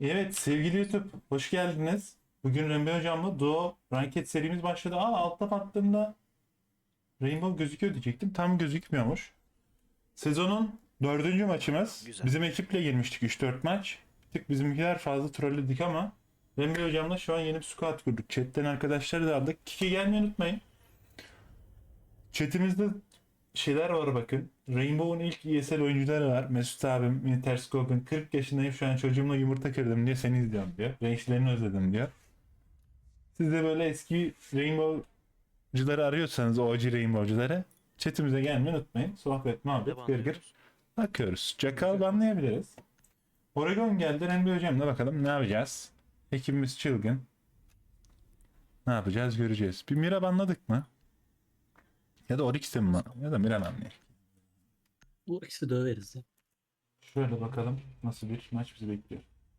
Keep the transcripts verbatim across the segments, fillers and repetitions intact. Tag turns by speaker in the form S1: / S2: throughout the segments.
S1: Evet sevgili YouTube hoş geldiniz. Bugün Rembe Hocam'la Duo Ranked serimiz başladı. Aa altta baktığımda Rainbow gözüküyor diyecektim. Tam gözükmüyormuş. Sezonun dördüncü maçımız.
S2: Güzel.
S1: Bizim ekiple girmiştik üç dört maç. Tık bizimkiler fazla trolledik ama Rembe Hocam'la şu an yeni bir squad kurduk. Chat'ten arkadaşları da aldık. Kiki gelmeyi unutmayın. Chatimizde şeyler var bakın. Rainbow'un ilk E S L oyuncuları var. Mesut abim, Interscope'un kırk yaşındayım şu an çocuğumla yumurta kırdım diye seni izliyorum diyor. Renklerini özledim diyor. Siz de böyle eski Rainbow'cuları arıyorsanız O G Rainbow'cuları chatimize gelmeyi unutmayın. Sohbet, muhabbet,
S2: Devam
S1: gırgır
S2: ediyoruz.
S1: bakıyoruz. Jackal banlayabiliriz. Oregon geldi. Rembe hocamla bakalım ne yapacağız. Ekibimiz çılgın. Ne yapacağız göreceğiz. Bir Mira banladık mı? Ya da Oryx'te mi? Ya da Mira banlayalım.
S3: Bu ikisi döveriz ya.
S1: Şöyle bakalım nasıl bir maç bizi bekliyor.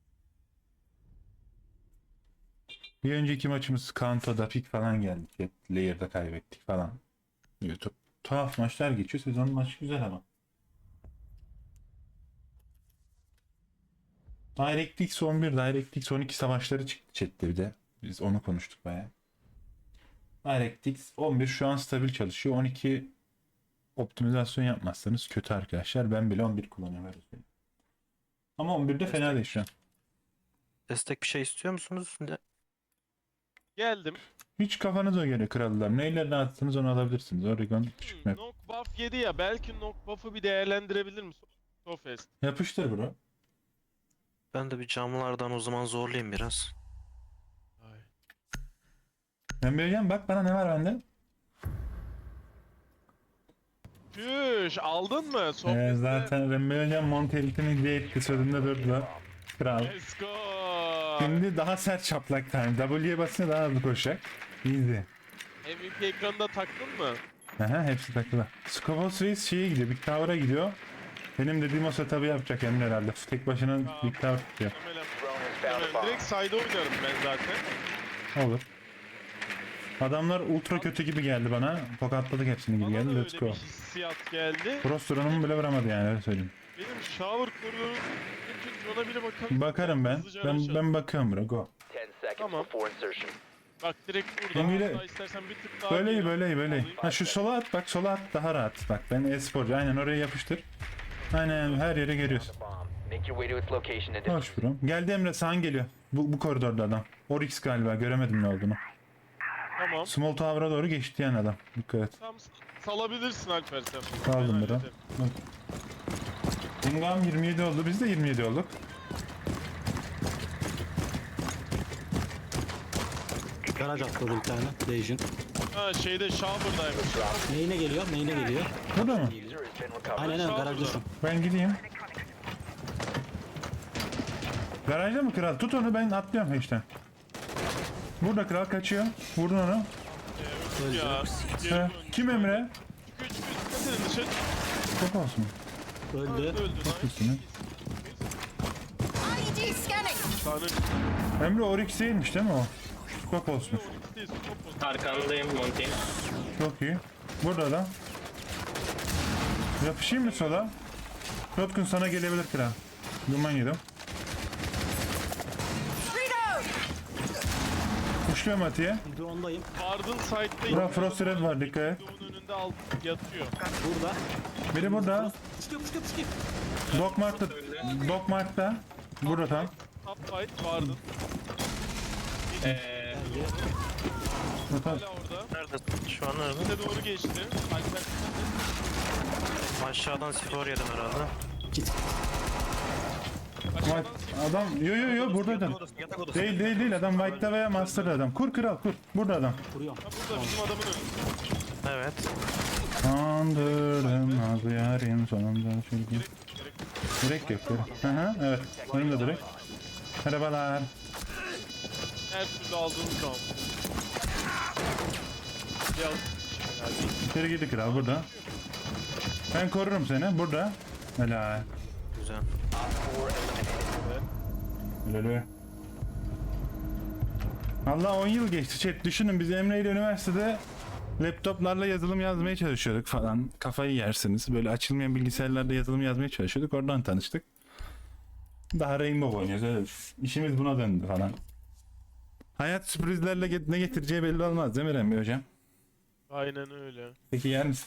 S1: Bir önceki maçımız Kanto'da pik falan geldik. Hep Layer'da kaybettik falan. YouTube. Tuhaf maçlar geçiyor. Sezon maçı güzel ama. DirectX on bir, DirectX on iki savaşları çıktı chatte bir de. Biz onu konuştuk bayağı. DirectX on bir şu an stabil çalışıyor. on iki optimizasyon yapmazsanız kötü arkadaşlar. Ben bile on bir kullanıyorum. öyle söyleyeyim. Ama on birde fena değil şu an.
S2: Destek bir şey istiyor musunuz? Ne-
S4: Geldim.
S1: Hiç kafanıza göre krallar. Neyle rahatsınız onu alabilirsiniz. Oregon küçük
S4: Hmm,
S1: map.
S4: knock buff yedi ya. Belki knock buff'ı bir değerlendirebilir misin? Sofest.
S1: Yapıştır bro.
S2: Ben de bir camlardan o zaman zorlayayım biraz.
S4: Ay.
S1: Ben vereceğim bak bana ne var bende.
S4: Tüş aldın mı?
S1: Ee,
S4: Sofest'te.
S1: zaten Rembe hocam Montelit'ini hediye etti sözünde durdu. Kral.
S4: Let's go.
S1: Şimdi daha sert çaplak tane. W'ye basınca daha hızlı koşacak. Easy.
S4: M V P ekranında taktın mı?
S1: Aha hepsi takılı. Scopus Reis şeye gidiyor. Big Tower'a gidiyor. Benim dediğim o setup'ı yapacak Emre herhalde. Tek başına Big Tower tutuyor.
S4: Muhtemelen. Muhtemelen. Direkt side'a oynarım ben zaten.
S1: Olur. Adamlar ultra kötü gibi geldi bana. Tokatladık hepsini gibi
S4: Bana da
S1: geldi.
S4: öyle
S1: Let's
S4: bir
S1: go.
S4: hissiyat geldi.
S1: Frostron'umu bile vuramadı yani öyle söyleyeyim.
S4: Benim shower koridoru için ona bile bakalım.
S1: Bakarım ben.
S4: Hızlıca
S1: Ben,
S4: araşalım.
S1: ben bakıyorum bro. Go.
S5: ten seconds
S4: Tamam.
S5: before insertion.
S4: Bak direkt burada.
S1: Şimdi de-
S4: Hatta istersen bir tık daha
S1: Böyle iyi
S4: geri
S1: böyle iyi böyle iyi.
S4: alayım.
S1: Ha şu sola at bak sola at daha rahat. Bak ben e-sporcu aynen oraya yapıştır. Aynen her yere geliyorsun.
S5: Bomb. Make your way to its location and
S1: Hoş bro. Geldi Emre sağın geliyor. Bu, bu koridorda adam. Oryx galiba göremedim ne olduğunu.
S4: Tamam.
S1: Small Tower'a doğru geçti yani adam. Dikkat et.
S4: Tam salabilirsin Alper sen.
S1: Saldım
S4: Ben
S1: bro.
S4: hallederim.
S1: Ingam yirmi yedi oldu. Biz de yirmi yedi olduk.
S3: Garaj atladı bir tane. Legion.
S4: Ha şeyde shower'daymış.
S3: Main'e geliyor. Main'e geliyor.
S1: Burada mı?
S5: user has been recovered.
S3: Aynen aynen garajda şu.
S1: Ben gideyim. Garajda mı kral? Tut onu ben atlıyorum işte. Burada kral kaçıyor. Vurdun onu.
S3: Öldü.
S4: Ya.
S1: He.
S4: Geri dön.
S1: Kim Emre?
S4: Çıkıyor çıkıyor dikkat edin dışarı.
S1: Çok olsun.
S4: Öldü
S3: Öldü.
S4: öldü.
S1: Üstüne.
S4: Nice.
S6: I D scanning.
S4: Tane
S1: Emre Oryx değilmiş değil mi o? Skop olsun.
S4: Onyx değil, scope olsun.
S7: Arkandayım Monty.
S1: Çok iyi. Burada da. Yapışayım mı sola? Rotkun sana gelebilir kral. Duman yedim.
S6: Reload.
S1: Kuşluyorum Atiye.
S3: Drone'dayım.
S4: Ardın side'da
S1: Bura Frost Red var dikkat et.
S4: Doğu'nun önünde alt yatıyor.
S3: Burada.
S1: Biri burada.
S3: Çıkıyor çıkıyor çıkıyor.
S1: Dogmark'ta. Dogmark'ta. Burada tam.
S4: Top fight Vardın.
S7: Eee
S1: Burada.
S4: Hala orada.
S2: Nerede? Şu an nerede?
S4: Bize doğru geçti. Alper
S2: Aşağıdan skor yedim herhalde.
S1: White. Adam yo yo yo burada adam.
S2: Yatak odası.
S1: Değil değil değil adam White'da veya Master'da adam. Kur kral kur. Burada adam.
S3: Vuruyorum.
S4: Ha burada bizim adamın önünde.
S2: Evet.
S1: Kandırdım az yarim sonunda çünkü. Direkt yok. Direkt. Hı hı evet. Önümde direkt. Merhabalar.
S4: Her türlü aldığımız zaman. Gel.
S1: İçeri girdi kral burada. Ben korurum seni burada. Helal.
S2: Güzel.
S1: Helal. Allah on yıl geçti chat. Düşünün biz Emre ile üniversitede laptoplarla yazılım yazmaya çalışıyorduk falan. Kafayı yersiniz. Böyle açılmayan bilgisayarlarda yazılım yazmaya çalışıyorduk. Oradan tanıştık. Daha Rainbow oynuyoruz öyle düşün. İşimiz buna döndü falan. Hayat sürprizlerle get- ne getireceği belli olmaz değil mi Rembi hocam?
S4: Aynen öyle.
S1: Peki yer misin?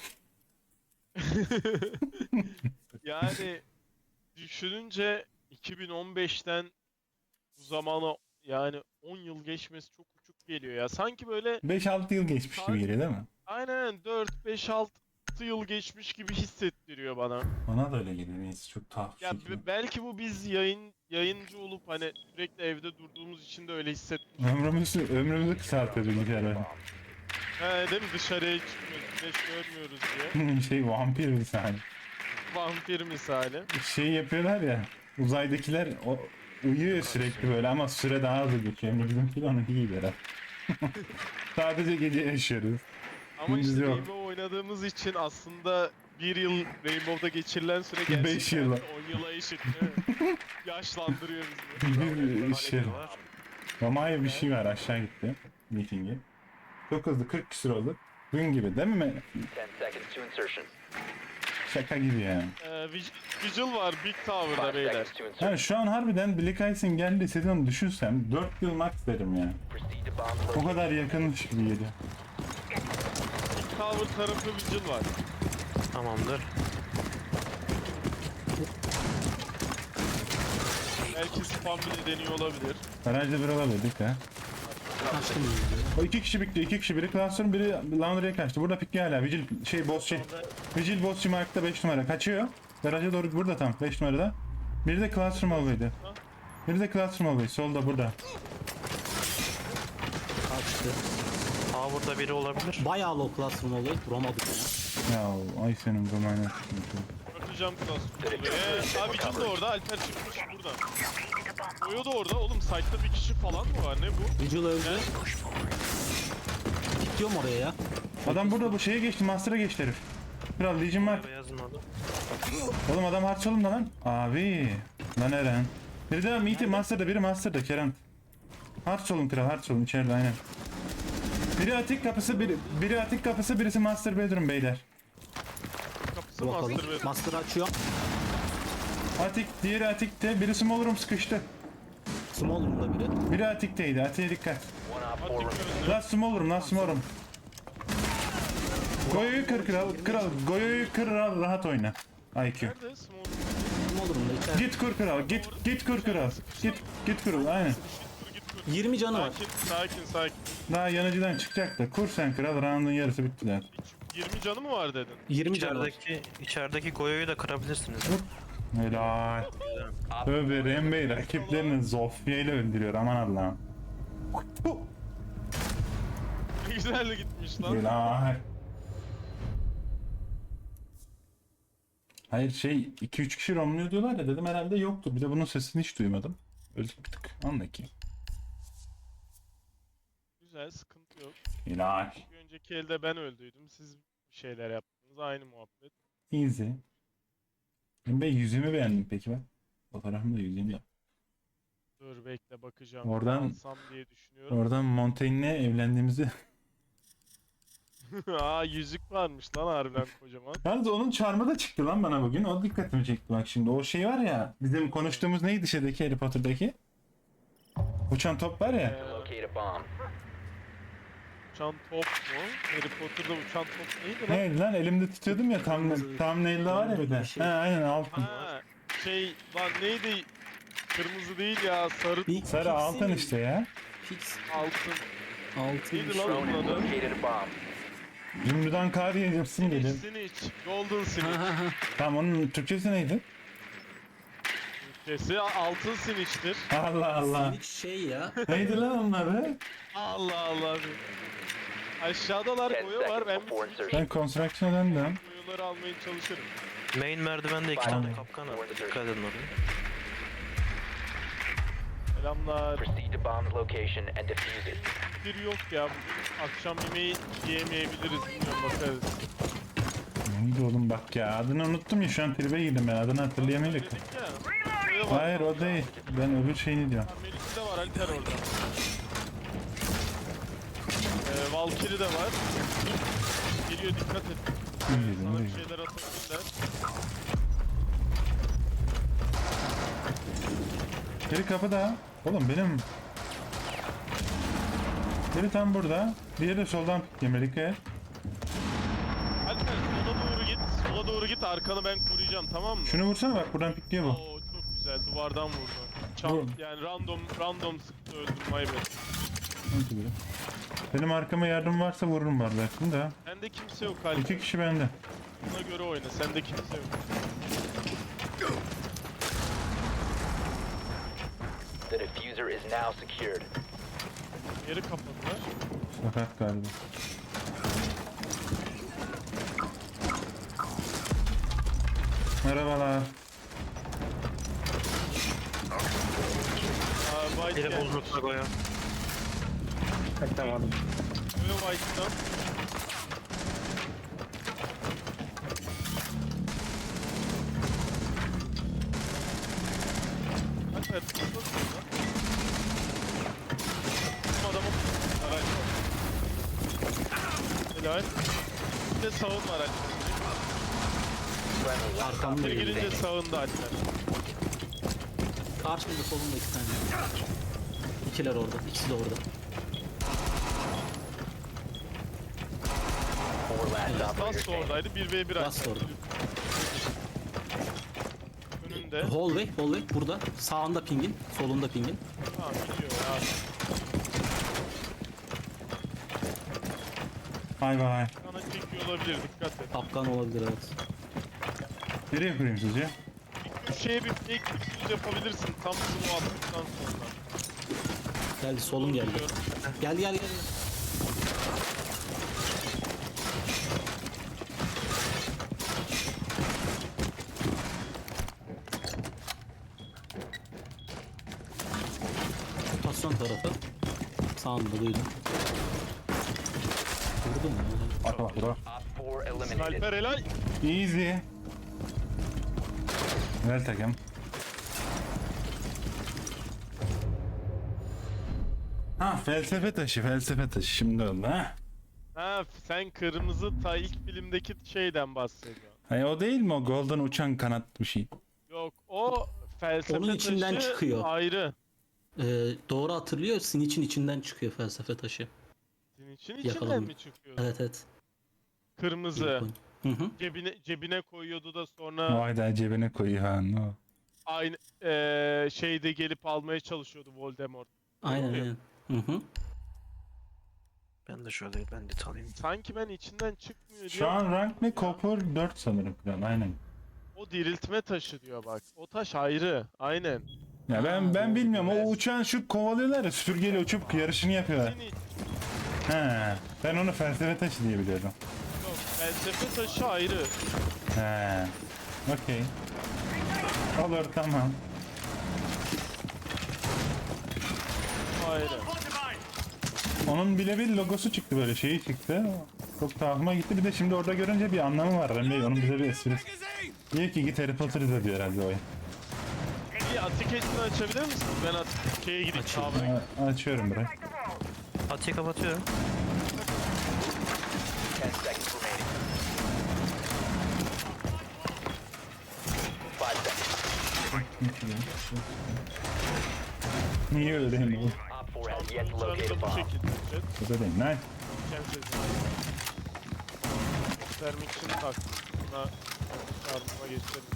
S4: Yani düşününce iki bin on beşten bu zamana yani on yıl geçmesi çok uçuk geliyor ya. Sanki böyle
S1: beş altı yıl geçmiş gibi geliyor değil mi?
S4: aynen dört beş altı yıl geçmiş gibi hissettiriyor bana.
S1: Bana da öyle geliyor. Neyse çok tuhaf bir
S4: Ya
S1: şekilde.
S4: be- belki bu biz yayın yayıncı olup hani sürekli evde durduğumuz için de öyle hissetmiş.
S1: Ömrümüzü, ömrümüzü kısaltıyor bilgisayar oyunu.
S4: He değil mi? Dışarıya çıkmıyoruz, güneş görmüyoruz diye.
S1: şey vampir misali.
S4: Vampir misali.
S1: Şey yapıyorlar ya. Uzaydakiler o, uyuyor sürekli böyle ama süre daha hızlı geçiyor. Yani bizimki de onunki gibi herhalde. Sadece gece yaşıyoruz.
S4: Ama
S1: Gündüz
S4: işte
S1: yok.
S4: Rainbow oynadığımız için aslında bir yıl Rainbow'da geçirilen süre
S1: Beş
S4: gerçekten
S1: yıla.
S4: on yıla eşit değil mi? Yaşlandırıyor bizi.
S1: Bir şey. Ama hayır bir şey var aşağı gitti. Meeting'i. Çok hızlı kırk küsur oldu. Dün gibi değil mi?
S5: ten seconds to insertion.
S1: Şaka gibi yani.
S4: Ee, Vig- Vigil var Big Tower'da
S5: five
S4: beyler.
S5: seconds to insertion.
S1: Yani şu an harbiden Black Ice'in geldiği sezonu düşünsem dört yıl max derim ya.
S5: Proceed to bomb
S1: O
S5: location.
S1: kadar yakınmış gibi geliyor.
S4: Big Tower tarafı Vigil var.
S2: Tamamdır.
S4: Belki spam bile deniyor olabilir.
S1: Garajda bir olabildik ha.
S3: Kaçtım yani.
S1: O iki kişi bitti, iki kişi. Biri Classroom, biri Laundry'e kaçtı. Burada pikli hala. Vigil, şey boss şey. Vigil bossçu markta beş numara. Kaçıyor. Garaja doğru burada tam beş numarada. Biri de Classroom hallway'di. Biri de Classroom hallway. Solda burada.
S3: Kaçtı.
S2: Aa burada biri olabilir.
S3: Bayağı low classroom olayı. Vuramadık ya.
S1: Ya ay senin bu manyak.
S4: Örteceğim klasörü. Eee abi Vigil de orada, Alper çıkmış burada. Oyo da orada. Oğlum site'da bir kişi falan mı var? Ne bu?
S3: Vigil öldü. Gidiyorum oraya ya.
S1: Adam burada bu şeye geçti. Master'a geçti herif. Kral Legion var.
S2: Yazmadı.
S1: Oğlum adam harçalımda lan. Abi. Lan Eren. Biri de Meet'i Master'da, biri Master'da Kerem. Harçalım kral, harçalım içeride aynen. Biri atik kapısı, biri, biri atik kapısı, birisi Master Bedroom beyler.
S4: Kapısı
S3: Bakalım.
S4: master ve
S3: Master açıyor.
S1: Atik, diğeri atikte, birisi Small Room sıkıştı.
S3: Small room'da biri.
S1: Biri atikteydi, atiğe dikkat.
S5: One op four
S4: Atik
S5: remaining.
S4: öldü.
S1: Last Small Room, last Small Room. Goyo'yu kır kral, kral, Goyo'yu kır kral, rahat oyna. I Q.
S4: Nerede? Small
S3: Small room'da içeride.
S1: Git kur kral, git, git kur kral. Git, git kur, aynen.
S4: Dur git dur.
S3: yirmi canı var.
S4: Sakin, sakin, sakin.
S1: Daha yanıcıdan çıkacak da kur sen kral, round'un yarısı bitti zaten.
S4: yirmi canı mı var dedin?
S3: yirmi canı var.
S2: İçerideki, içerideki Goyo'yu da kırabilirsiniz.
S1: Helal. Tövbe Rembey rakiplerini Zofia ile öldürüyor aman Allah'ım.
S4: Ne güzel gitmiş lan.
S1: Helal. Hayır şey iki üç kişi romluyor diyorlar ya dedim herhalde yoktu. Bir de bunun sesini hiç duymadım. Öldük bir tık. Anla ki.
S4: Güzel, sıkıntı yok.
S1: Helal.
S4: Bir önceki elde ben öldüydüm. Siz bir şeyler yaptınız. Aynı muhabbet.
S1: Easy. Rembey yüzümü beğendim peki ben. Fotoğrafımda yüzümü yap.
S4: Dur bekle bakacağım.
S1: Oradan-
S4: Alsam diye düşünüyorum.
S1: Oradan Montaigne'le evlendiğimizi...
S4: Aa yüzük varmış lan harbiden kocaman.
S1: Yalnız onun çarmı da çıktı lan bana bugün. O dikkatimi çekti bak şimdi. O şey var ya bizim konuştuğumuz neydi şeydeki Harry Potter'daki? Uçan top var ya.
S4: Ee,
S5: Locate a bomb.
S4: uçan top mu? Harry Potter'da uçan top neydi lan?
S1: Neydi lan elimde tutuyordum ya tam tam nail'de var ya bir de.
S3: Bir şey.
S1: Ha aynen altın.
S4: Ha şey lan neydi? Kırmızı değil ya sarı
S3: Big
S1: Sarı
S3: Pixie
S1: altın
S3: mi?
S1: işte ya.
S3: Pix
S4: altın.
S3: altın.
S4: Neydi lan
S5: Drone
S4: onun
S5: has
S4: adı?
S5: located a bomb.
S1: Zümrüdan kar yiyeceksin gelir.
S4: Snitch. Golden
S3: Ha
S4: Snitch.
S3: ha ha.
S1: Tamam onun Türkçesi neydi?
S4: Türkçesi altın Snitch'tir.
S1: Allah Allah.
S3: Silik şey ya.
S1: Neydi lan onları?
S4: Allah Allah. Aşağıdalar
S5: ten
S4: koyu var.
S5: seconds
S4: Ben
S5: before
S4: bütün
S5: insertion.
S1: Ben Construction'a döndüm.
S4: koyuları almaya çalışırım.
S2: Main merdivende iki
S5: Tamam.
S2: tane kapkan var. Dikkat edin oraya.
S4: Selamlar.
S5: Proceed to bomb's location and defuse it.
S4: Bir yok ya bugün akşam yemeği yiyemeyebiliriz. Bilmiyorum bakarız.
S1: Neydi oğlum bak ya adını unuttum ya şu an tribe girdim ben adını hatırlayamayacak.
S4: Dedik ya. Koyu var.
S1: Hayır o değil. Ben öbür şeyini diyorum.
S4: Melik'i de var Alper orada. Ee, Valkyrie de var. Geliyor dikkat et.
S1: İyi,
S4: Sana bir
S1: iyi.
S4: şeyler atabilirler.
S1: Biri kapıda. Oğlum benim... Biri tam burada. Diğeri de soldan yemelik.
S4: Alper sola doğru git. Sola doğru git. Arkanı ben koruyacağım, tamam mı?
S1: Şunu vursana bak, buradan pikliyor bu.
S4: Oo çok güzel. Duvardan vurdu. Çam,
S1: Vur.
S4: yani random random sıktı, öldüm. My bad.
S1: Benim arkama yardım varsa vururum var belki de.
S4: Sende kimse yok Alper.
S1: İki kişi bende.
S4: Buna göre oyna. Sende kimse yok.
S5: The diffuser is now secured.
S4: Yeri kapadılar.
S1: Sakat galiba. Merhabalar.
S4: Aa, White
S2: Biri
S4: gelmiş.
S2: bozdu Tago'ya.
S4: Böyle White'dan. Alper tutma sonra. Bizim adamın araç var. Helal. Bir de sağın var Alper.
S5: Friendly last
S3: Arkamda
S4: Geri
S3: geliyor.
S4: gelince sağında Alper.
S3: Karşımda solumda iki tane. İkiler orada. İkisi de orada.
S5: four last operator
S4: Last
S5: standing.
S4: oradaydı. bir ve bir
S3: Last
S4: Alper.
S3: orada.
S4: Önünde.
S3: Hallway, hallway burada. Sağında pingin, solunda pingin.
S4: Tamam gidiyor ya.
S1: Bay bay.
S4: Sana çekiyor olabilir, dikkat et.
S3: Kapkan olabilir evet.
S1: Nereye kurayım sizce?
S4: Bir köşeye bir fake diffuse yapabilirsin tam bunu attıktan sonra.
S3: Geldi solun geldi.
S4: Biliyorum.
S3: Gel gel gel. Rotasyon tarafı. Sağında duydum. Vurdum mu?
S1: Bak bak bak.
S5: Op four eliminated.
S4: Sniper helal.
S1: Easy. Güzel takım. Ha, felsefe taşı, felsefe taşı şimdi oldu ha.
S4: Ha sen kırmızı ta ilk filmdeki şeyden bahsediyorsun.
S1: Hayır, o değil mi o golden uçan kanat bir şey?
S4: Yok o felsefe
S3: Onun içinden
S4: taşı
S3: çıkıyor.
S4: ayrı.
S3: Ee, doğru hatırlıyor. Siniç'in içinden çıkıyor felsefe taşı.
S4: Senin için içinden
S3: Yakalandım.
S4: mi çıkıyor?
S3: Evet evet.
S4: Kırmızı.
S3: Hı hı.
S4: Cebine cebine koyuyordu da sonra
S1: Vay da cebine koyuyor ha. No.
S4: aynı eee şeyde gelip almaya çalışıyordu Voldemort.
S3: Aynen
S4: Oluyor.
S3: aynen. Hı hı.
S2: Ben de şöyle ben de alayım.
S4: Sanki ben içinden çıkmıyor diye.
S1: Şu an rank ne? Copper dört sanırım falan, aynen.
S4: O diriltme taşı diyor bak. O taş ayrı. Aynen.
S1: Ya ben
S3: Ha,
S1: ben
S3: doğru.
S1: bilmiyorum, o
S4: Evet.
S1: uçan şu kovalıyorlar ya, süpürgeyle uçup yarışını yapıyorlar.
S4: Senin
S1: He, ben onu felsefe taşı diye biliyorum.
S4: yok. Felsefe taşı ayrı.
S1: He, okey. Olur, tamam.
S4: Ayrı.
S1: Onun bile bir logosu çıktı, böyle şeyi çıktı. Çok tahma gitti. Bir de şimdi orada görünce bir anlamı var. Remey onun bize bir esprisi. İyi ki git Harry Potter izle diyor herhalde o oyun.
S4: Bir atiketini açabilir misiniz? Ben at şeye gideyim.
S3: Açayım.
S4: Sağına.
S1: A- açıyorum burayı.
S2: Atiye kapatıyorum.
S5: Ten seconds remaining. Five seconds.
S1: Niye öyle değil mi?
S5: Op four has yet to locate a
S4: Sonuçlarını da bu
S5: bomb.
S4: şekilde yapacağız.
S1: Bu da değil. Nice.
S4: Kendinize. Vermek için taktım. Buna yardıma geçelim.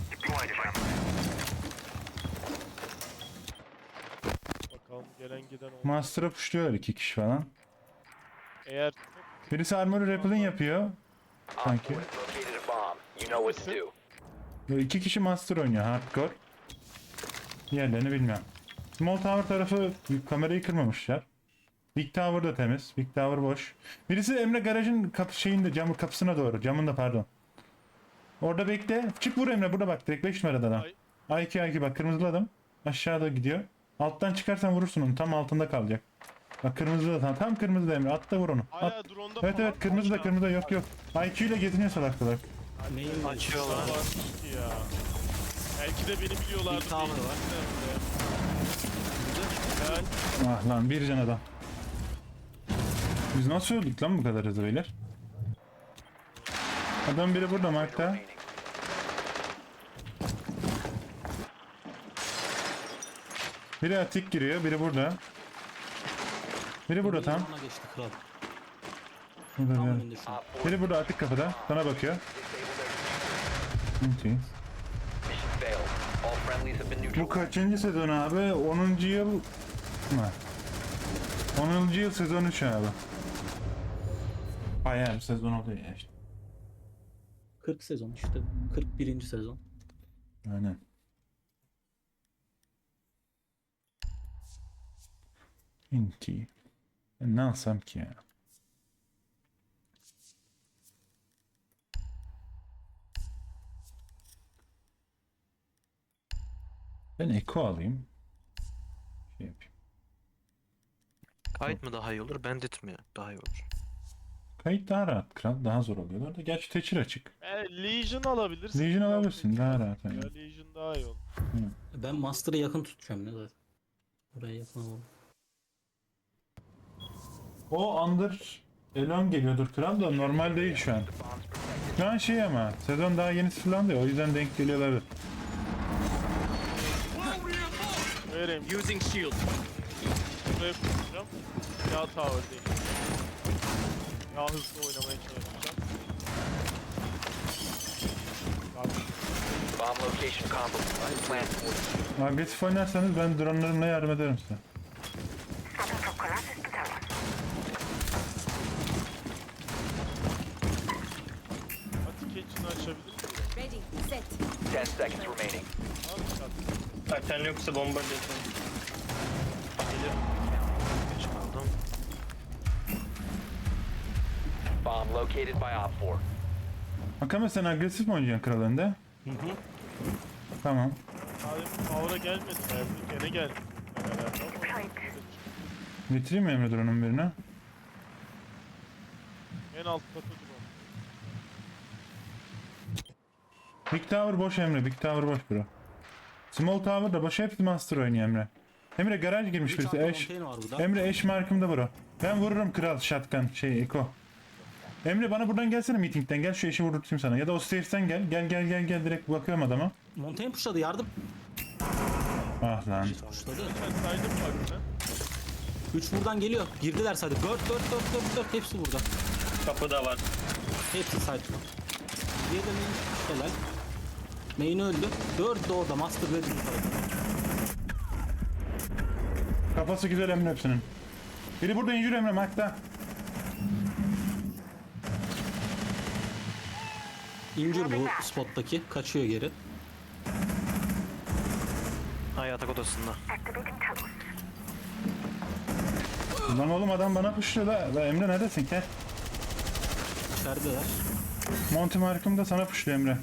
S4: Bakalım gelen giden oldu.
S1: Master'a pushluyorlar iki kişi falan.
S4: Eğer çok
S1: Birisi armor rappelling yapıyor.
S5: Op
S1: Sanki.
S5: four has located a bomb. You know what to do.
S1: Böyle iki kişi master oynuyor hardcore. Diğerlerini bilmiyorum. Small Tower tarafı kamerayı kırmamışlar. Big Tower da temiz. Big Tower boş. Birisi Emre garajın kapı şeyinde, camı kapısına doğru. Camında pardon. Orada bekle. Çık vur Emre, burada bak direkt beş numarada adam. A iki A iki bak, kırmızılı adam. Aşağıda gidiyor. Alttan çıkarsan vurursun onu. Tam altında kalacak. Bak kırmızılı da tam, tam kırmızıda Emre. At da vur onu. At.
S4: hala drone'da
S1: Evet
S4: falan
S1: evet, kırmızı da
S4: var.
S1: kırmızı da yok yok. I Q ile geziniyor salakta bak.
S3: Neyin var?
S2: Açıyorlar.
S4: Varmış ki ya. Belki de beni biliyorlardı.
S3: Bir tower
S4: değil.
S3: var.
S4: Güzel.
S1: Ah lan, bir can adam. Biz nasıl öldük lan bu kadar hızlı beyler? Adam biri burada Mark'ta.
S5: Remaining.
S1: Biri atik giriyor, biri burada. Biri burada tam.
S3: Ona geçti kral.
S1: Burada
S3: Tam
S1: bir-
S3: önünde şu an.
S5: Op four
S1: Biri burada atik kapıda. Sana bakıyor.
S5: disabled their
S1: Okey.
S5: mission failed. All friendlies have been
S1: Bu
S5: neutralized.
S1: kaçıncı sezon abi? onuncu yıl mı? onuncu yıl sezon üç abi. Bayağı bir sezon oluyor ya işte.
S3: kırk sezon işte. kırk birinci sezon.
S1: Aynen. Inti. Ben ne alsam ki ya? Ben Eko alayım. Şey yapayım.
S2: Kayıt mı daha iyi olur, bandit mi daha iyi olur?
S1: Kayıt daha rahat kral. Daha zor oluyorlar da. Gerçi teçhir açık.
S4: E, Legion alabilirsin.
S1: Legion alabilirsin. Daha rahat.
S4: Ya
S1: Yani.
S4: Legion daha iyi olur.
S3: Ben Master'ı yakın tutacağım ne zaten. Buraya yakın alalım.
S1: O Under Elon geliyordur kral da normal değil şu an. Şu an şey ama sezon daha yeni sıfırlandı ya o yüzden denk geliyorlar.
S4: Vereyim.
S3: Using shield.
S4: Buraya kuracağım. Ya tower değil. Ya hızlı oynamaya çalışacağım. Bak,
S5: Bomb location compromised. Plan for
S1: Agresif oynarsanız ben dronlarımla yardım ederim size.
S4: Atik için açabilir miyim?
S6: Ready, set.
S5: ten seconds remaining.
S4: Tamam şart.
S7: Zaten yoksa bomba dedim.
S2: Geç kaldım.
S5: Bomb located by Op four.
S1: Akame sen agresif mi oynayacaksın kral önde?
S3: Hı hı.
S1: Tamam.
S4: Abi power'a gelmedi. Geldi. Gene geldi. Herhalde ama
S1: Getireyim mi Emre drone'un birine?
S4: en alt katı drone.
S1: Big Tower boş Emre. Big Tower boş bro. Small Tower da boş. Hepsi Master oynuyor Emre. Emre garaj girmiş
S3: Bir
S1: birisi.
S3: tane
S1: Eş.
S3: container var burada.
S1: Emre eş markımda bro. Ben vururum kral shotgun şey Eko. Emre bana buradan gelsene meetingden. Gel şu eşi vururtayım sana. Ya da o stairs'ten gel. Gel gel gel gel direkt bakıyorum adama.
S3: Montaigne pushladı yardım.
S1: Ah lan.
S3: Pushladı.
S4: Sen saydın mı bak sen?
S3: üç buradan geliyor. Girdiler sadece. dört dört dört dört dört hepsi burada.
S7: Kapıda var.
S3: Hepsi side'da. Diğeri de main. Helal. Main öldü. dört de orada. Master ve bir
S1: Kafası güzel Emre hepsinin. Biri burada injür Emre Mark'ta.
S3: İncir bu spottaki. Kaçıyor geri.
S2: Ha, yatak odasında.
S1: Lan oğlum adam bana puşluyor da. La Emre neredesin gel.
S3: İçerideler.
S1: Monty markım da sana puşluyor Emre.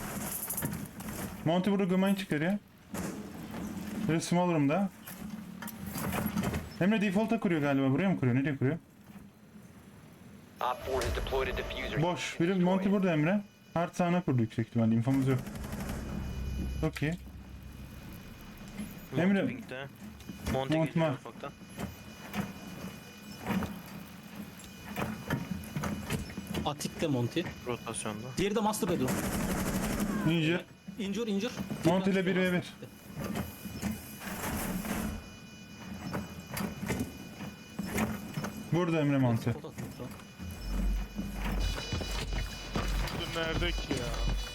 S1: Monty burada gımayı çıkarıyor. Böyle small room'da. Emre default'a kuruyor galiba. Buraya mı kuruyor? Nereye kuruyor?
S5: Op four has deployed a diffuser.
S1: Boş. Biri Monty burada Emre. Hard sağına kurdu yüksek ihtimalle. İnfomuz yok. Çok iyi. Emre-
S2: Monty Pink'te. Monty
S1: Monty
S2: geliyor
S1: var.
S2: ufaktan.
S3: Atik de Monty.
S2: Rotasyonda.
S3: Diğeri de Master Bedroom.
S1: Injur.
S3: İncir incir.
S1: Monty ile bir ve bir. Burada Emre Monty.
S4: Bu nerede ki ya?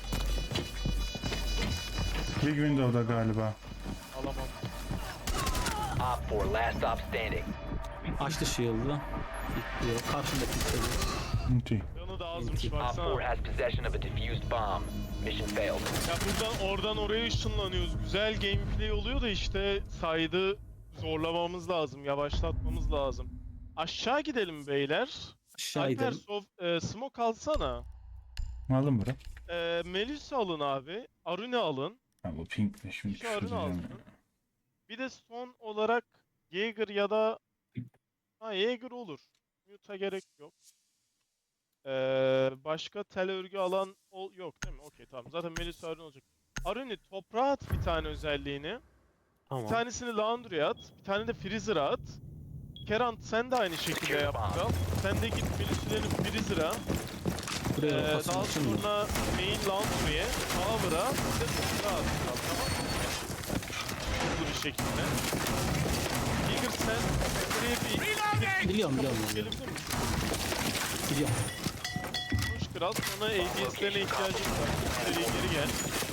S1: Big Window'da galiba.
S4: Alamam.
S5: Op four last stop standing.
S3: Açtı shield'ı. Bekliyor. Karşında kilitliyor.
S1: Monty.
S4: Canı da azmış
S5: Op four
S4: baksana.
S5: has possession of a diffused bomb. Mission failed.
S4: Ya buradan oradan oraya ışınlanıyoruz. Güzel gameplay oluyor da işte saydı zorlamamız lazım, yavaşlatmamız lazım. Aşağı gidelim beyler.
S3: Aşağı
S4: Alper
S3: gidelim.
S4: sof, e, smoke alsana.
S1: Aldım bura.
S4: E, Melis alın abi. Arune alın.
S1: Ha bu pink ne şimdi
S4: İki Arune
S1: küfür edeceğim
S4: alsın.
S1: ya.
S4: Bir de son olarak Jaeger ya da ha Jaeger olur. Mute'a gerek yok. Ee, başka tel örgü alan ol yok değil mi? Okey tamam. Zaten Melis Arune olacak. Arune toprağa at bir tane özelliğini.
S2: Tamam.
S4: Bir tanesini Laundry'e at. Bir tane de Freezer'a at. Kerant sen de aynı şekilde yap kral. Sen de git Melis'lerin Freezer'a. Ee,
S3: Buraya
S4: daha
S3: rotasyon açılmıyor.
S4: sonra Main Laundry'e, Tower'a, bir de toprağa at kral, tamam mı? hızlı bir şekilde. Jaeger sen buraya bir...
S3: Biliyorum, biliyorum,
S4: Gelebilir misin?
S3: Biliyorum.
S4: Koş kral, sana A D S'lerine ihtiyacımız var. İçeriye geri gel.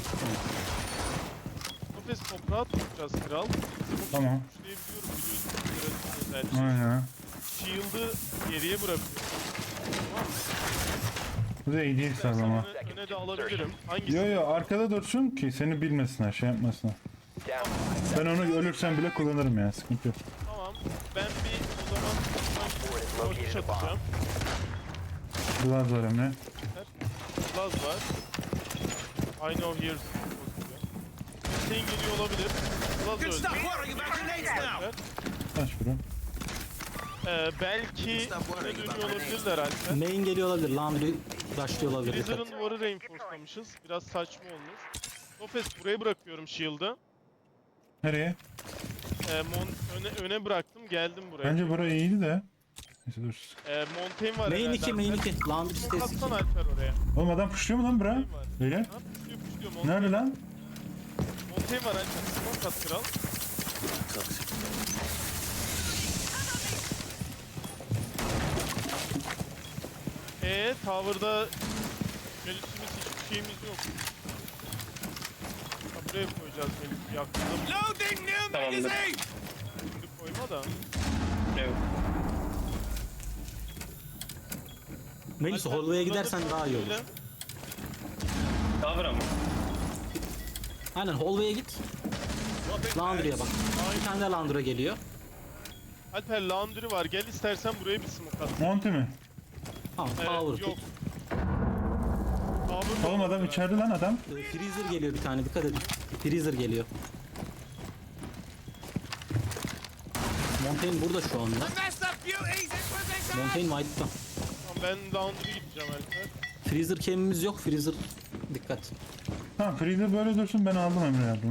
S4: Nefes toprağa tutacağız kral.
S1: Tamam.
S4: Güçleyebiliyorum biliyorsun. Sırasının özelliği.
S1: Aynen.
S4: Shield'ı geriye bırakıyorum. Tamam mı?
S1: Bu da iyi değil
S4: İstersen
S1: ama.
S4: öne, öne de alabilirim. Hangisi?
S1: Yo yo arkada dursun ki seni bilmesinler, şey yapmasınlar.
S5: Down.
S1: Ben onu ölürsem bile kullanırım ya, sıkıntı yok.
S4: Tamam. Ben bir o zaman
S5: Four has
S4: korkuş
S5: located a bomb.
S4: atacağım.
S1: Glaz var Emre.
S4: Laz var. I know here's Hüseyin geliyor olabilir. Laz öldü.
S1: Kaç bro?
S4: Ee, belki öne dönüyor olabilirler Alper.
S3: Main geliyor olabilir. Laundry rushlıyor olabilir.
S4: Blizzard'ın duvarı reinforcelamışız. Biraz saçma olmuş. Nofes buraya bırakıyorum shield'ı.
S1: Nereye?
S4: Ee, Mon öne, öne bıraktım geldim buraya.
S1: Bence burası iyiydi de. Neyse dur.
S4: Ee, Montaigne var
S3: Main
S4: herhalde
S3: iki, main
S4: Alper.
S3: iki. Laundry sitesi iki.
S4: Atsan Alper oraya.
S1: Oğlum adam puşluyor mu lan bura?
S4: Montaigne var.
S1: Öyle.
S4: Ha, puşluyor puşluyor. Montaigne,
S1: Nerede lan?
S4: Montaigne var Alper. Smoke at kral. Eee tower'da Melisimiz hiçbir şeyimiz yok. Ha, buraya koyacağız Melis. Yakında
S7: Tamamdır.
S4: şimdi koyma da.
S7: Evet.
S3: Melis
S4: Alper,
S3: hallway'e
S4: burada
S3: gidersen
S4: da
S3: daha iyi olur.
S4: böyle.
S7: Cover ama.
S3: Aynen hallway'e git. Laundry'e bak. Bir tane de laundry geliyor.
S4: Alper laundry var. Gel istersen buraya bir smoke at.
S1: Monty mi?
S3: Tamam,
S4: Evet,
S3: power
S4: yok.
S3: tut.
S4: Power
S1: Oğlum
S4: yok
S1: adam
S4: Alper.
S1: içeride lan adam.
S3: Ee, Freezer geliyor bir tane, dikkat edin. Freezer geliyor. Montaigne burada şu anda. Montaigne white'ta.
S4: Tamam, ben laundry gideceğim Alper.
S3: Freezer cam'imiz yok. Freezer dikkat.
S1: Tamam Freezer böyle dursun, ben aldım Emre yardıma.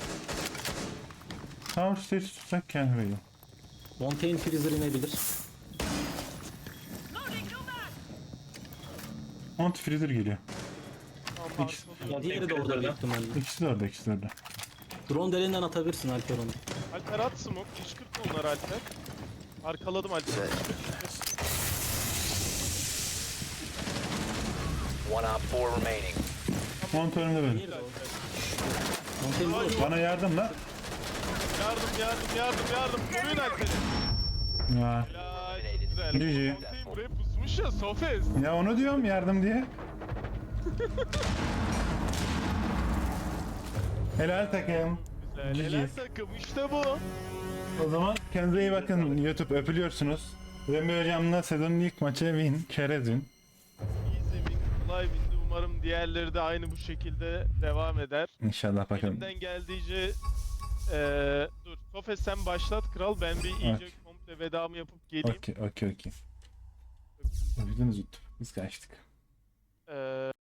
S1: Tower stage tutsak kendi veriyor.
S3: Montaigne freezer inebilir.
S1: Monty Freezer geliyor.
S4: Tamam
S1: İkisi-
S4: arkalıyorum.
S3: Diğeri de orada büyük ihtimalle.
S1: İkisi de orada, ikisi de orada.
S3: Drone deliğinden atabilirsin Alper onu.
S4: Alper at smoke. Kışkırtma onları Alper. Arkaladım Alper.
S5: One op four remaining.
S1: Monty önümde böyle.
S3: Diğeri de orada. Montaigne burada.
S1: Bana yardım la.
S4: Yardım yardım yardım yardım. Koruyun Alper'i.
S1: Ya.
S4: Helal çok güzel.
S1: G G.
S4: Montaigne buraya pusmuş ya Sofes.
S1: Ya onu diyorum yardım diye. Helal takım.
S4: Güzel.
S1: G G.
S4: Helal takım işte bu.
S1: O zaman kendinize iyi bakın. YouTube öpülüyorsunuz. Remzi hocamla sezonun ilk maçı win. Çerez win.
S4: İyi zemin, kolay bindi. Umarım diğerleri de aynı bu şekilde devam eder.
S1: İnşallah bakalım.
S4: Elimden geldiğince eee dur. Sofes sen başlat kral. Ben bir iyice
S1: Okey.
S4: komple vedamı yapıp geleyim.
S1: Okey okey okey. Öpüldünüz YouTube. Biz kaçtık.
S4: Eee